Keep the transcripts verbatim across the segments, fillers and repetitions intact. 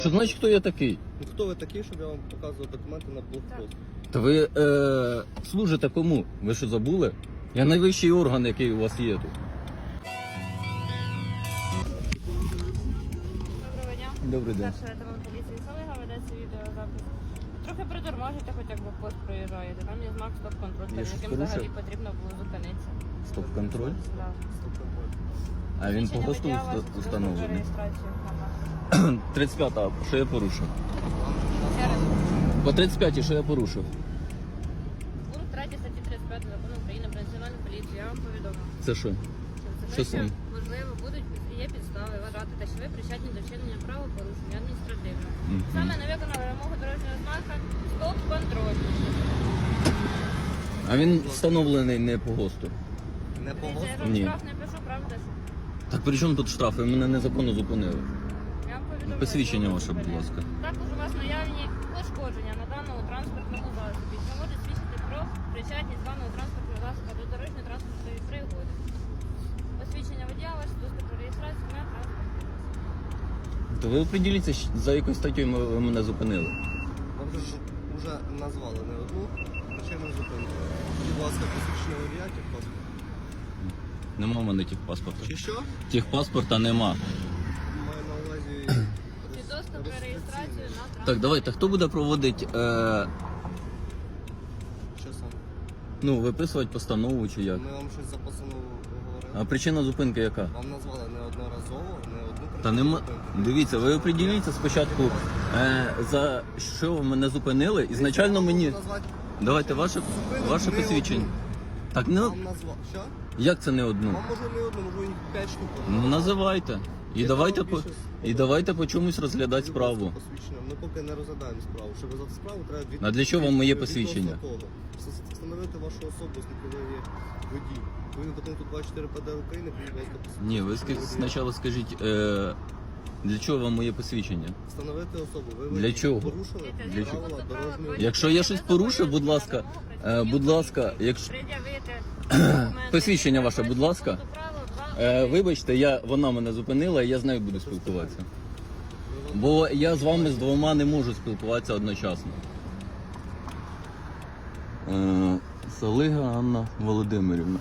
Що значить, хто я такий? Ну хто ви такий, щоб я вам показував документи на блокпост? Та ви е, служите кому? Ви що забули? Я найвищий орган, який у вас є тут. Доброго дня. Добрий день. Старший лейтенант поліції Салига, ведеться відеозапис. Трохи притормажуйте, хоч як блокпост проїжджаєте. Там є знак стоп-контроль, Я перед щось яким порушив? взагалі потрібно було зупинитися. Стоп-контроль? Да. А він по Свідчення госту водія, уста- вашу установлений. реєстрацію. Ага. тридцять п'ята, що я порушив? Ще раз. По тридцять п'ятій, що я порушив? Пункт третій статті тридцять п'ять Закону України про національну поліцію. Я вам повідомив. Це що? Що Що саме? можливо, будуть є підстави вважати, те, що ви причетні до вчинення правопорушення адміністративного. Мгм. Саме не виконали вимогу дорожнього знака стоп-контроль. А він встановлений не по госту. Не по Дивіться, я госту? вам Ні. штраф не пишу, правда ж? Так при чому тут штрафи? Мене незаконно зупинили. Я вам повідомляю, Посвідчення що ваше, будь зупиняю. ласка. Також у вас наявні пошкодження на даному транспортному засобі, що може свідчити про причетність даного транспортного засобу до дорожньо-транспортної пригоди. Посвідчення водія ваше, доступ до реєстрації на транспортний засіб. То ви оприділіться, щ- за якою статтю ми- ви мене зупинили. Вам же ж вже назвали не одну причину зупинки. Будь ласка, посвідчення водія, техпаспорт. Нема в мене техпаспорта. Чи що? Техпаспорта нема. Маю на увазі Свідоцтво про реєстрацію на транспорт. Так, давайте, хто буде проводити, е, Що саме? ну, виписувати постанову чи як? Ми вам щось за постанову говорили. А причина зупинки яка? Вам назвали неодноразово, не одну причину Та нема. зупинки. Дивіться, ви оприділіться спочатку, е, за що ви мене зупинили. Ізначально мені. Назвати Давайте ваше, зупинок ваше не посвідчення. одну. Так не Вам назвав. Що? як це не одну? Вам може не одну, може їх п'ять штук. Ну називайте. І Я давайте вам по більше і давайте по чомусь розглядати Будь ласка, справу. посвідчення. Ми поки не розглядаємо справу. Щоб розглядати справу, треба від... А для чого вам моє відносно посвідчення? того. Вс- Встановити вашу особу, коли ви є водій. Ви до пункту двадцять чотири П Д р України, будь ласка, посвідчення. Ні, ви ска- спочатку скажіть, е, для чого вам моє посвідчення? Встановити особу. Ви Для водій. чого? Порушили Для правила чого? дорожнього руху. Якщо я щось порушив, будь ласка, е, будь ласка, якщо Пред'явити посвідчення ваше, будь ласка. Е, вибачте, я, вона мене зупинила, і я з нею буду спілкуватися. Бо я з вами з двома не можу спілкуватися одночасно. Е, Салига Анна Володимирівна.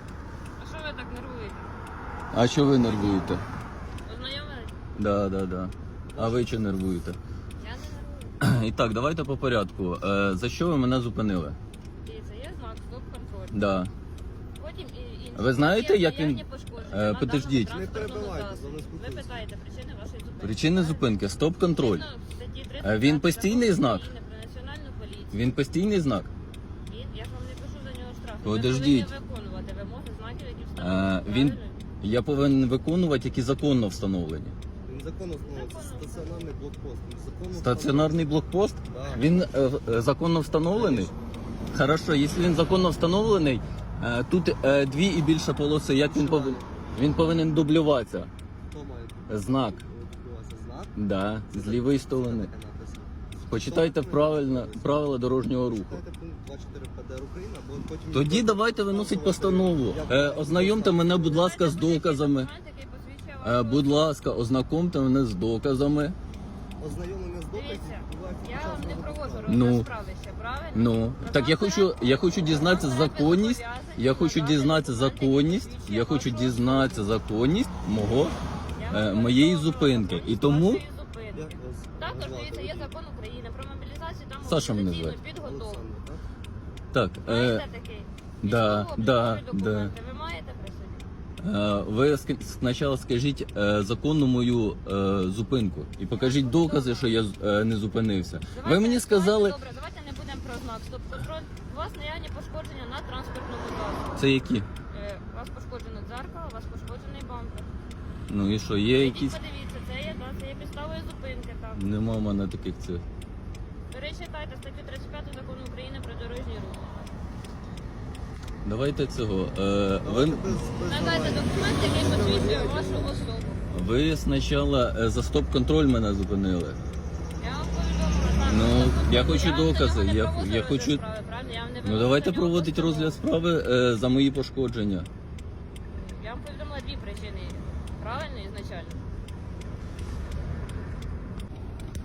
А що ви так нервуєте? А що ви нервуєте? Ознайомились? Да, да, да. А ви чи нервуєте? Я не нервую. І так, давайте по порядку. Е, за що ви мене зупинили? Дивіться, є знак стоп-контроль. Да. Потім і інші. Ви знаєте, Є як він- наявні пошкодження Е, на подождіть. даному Не транспортному перебивайте, засобі. за не Ви спілкуйтесь. питаєте причини вашої зупинки. Причини зупинки, стоп-контроль. Згідно статті тридцять Е, він п'ять постійний Закону знак? України про національну поліцію. Він постійний знак? Він, я ж вам не пишу за нього штраф. Подождіть. Ви повинні виконувати вимоги знаків, які Е, встановлені. він, правильно? я повинен виконувати, які законно встановлені. Він законно встановлюється. Законно Стаціонарний блокпост. Він законно Стаціонарний блокпост? Да. Він е, е, законно встановлений? Хорошо, якщо він законно встановлений, е, тут е, дві і більше полоси, як він повинен? Він повинен дублюватися. Хто має Знак. відбуватися? Знак? Да, з лівої сторони. Таке написано. Почитайте правильно правила дорожнього руху. Читайте пункт двадцять чотири П Д Р України, або потім... Тоді давайте виносить постанову. Е, ознайомте мене, будь ласка, з доказами. Документ, який посвідчує Е, вашу будь особу. ласка, ознакомте мене з доказами. Ознайомлення з доказів Дивіться, відбувається я під час вам не розгляду проводжу справи. розгляд Ну. справи ще, правильно? Ну, так я хочу, я хочу дізнатися законність. Я хочу дізнатися законність. Я хочу дізнатися законність мого е, моєї зупинки. І тому Як вас також назвати? дивіться, є закон України про мобілізацію та Саша мене мобілізаційну звати. підготовку. Олександр, так? так. Е, Маєте такий? да, Військово-облікові да, документи ви маєте при собі? е, ви ск- спочатку скажіть е, законну мою е, зупинку і покажіть докази, що я е, не зупинився. Ви Давайте- мені сказали, Добре, давайте не будемо про знак стоп-контроль. У вас наявні пошкодження на транспортному засобі. це які? Е, У вас пошкоджено дзеркало, у вас пошкоджений бампер. Ну і що, є Ідіть, якісь? подивіться, це є, да, це є підставою зупинки. Так. Нема в мене таких цих. Перечитайте статтю тридцять п'ять Закону України про дорожній рух. Давайте цього. Е, ви, Без- без Надайте давай. документ, який посвідчує вашу особу. ви спочатку е, за стоп-контроль мене зупинили. Я вам повідомила. так, Ну, що я хочу вам за докази, нього не я- проводила я розгляд хочу- справи, правильно? Я вам не Ну виносила давайте на нього проводити постанову. розгляд справи е, за мої пошкодження. Я вам повідомила дві причини. Правильно, ізначально.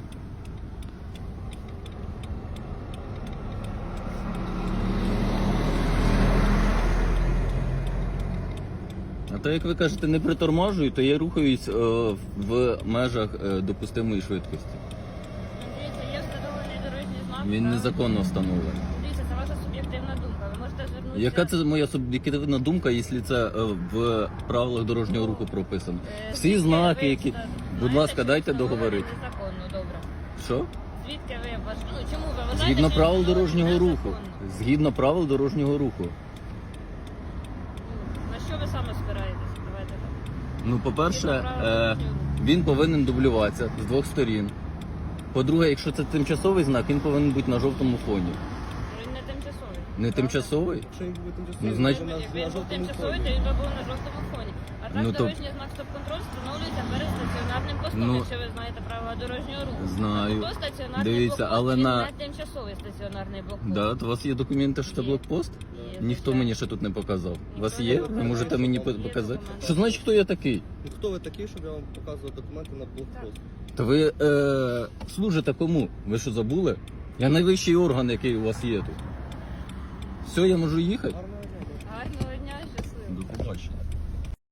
А то, як ви кажете, не приторможую, то я рухаюсь е, в межах е, допустимої швидкості. Дивіться, є встановлений дорожній знак. Він так? незаконно встановлений. Дивіться, це ваша суб'єктивна думка. Ви можете звернутися... Яка це моя суб'єктивна думка, якщо це е, в правилах дорожнього руху прописано? Е, Всі звідки знаки, ви які... знаєте, Будь ласка, що дайте встановлено договорити. Незаконно, добре. Що? Звідки ви ваш... Ну, чому ви вважаєте, Згідно що правил встановлено дорожнього руху. незаконно? Згідно правил дорожнього руху. Ну, на що ви саме спираєтесь? Давайте так. Ну, по-перше, Згідно правил е, дорожнього руху. він повинен дублюватися з двох сторін. По-друге, якщо це тимчасовий знак, він повинен бути на жовтому фоні. Він не тимчасовий. Не тимчасовий? Якщо він буде тимчасовий, Ну, значить- то на, Він на був жовтому тимчасовий, фоні. то він би був на жовтому фоні. А так Ну, то- дорожній знак стоп-контроль встановлюється перед стаціонарним постом, Ну, якщо ви знаєте правила дорожнього руху. Знаю. То стаціонарний Дивіться, блокпост, але він на- не тимчасовий стаціонарний блокпост. Да, то у вас є документи, що це Є. блокпост? Є, Ніхто звичайно. мені ще тут не показав. У вас Ніхто є? не Ви показав. можете мені Є по- показати? документи. Що значить, хто я такий? Ну, хто ви такий, щоб я вам показував документи на блокпост? Та ви е, служите кому? Ви що забули? Я найвищий орган, який у вас є тут. Все, я можу їхати?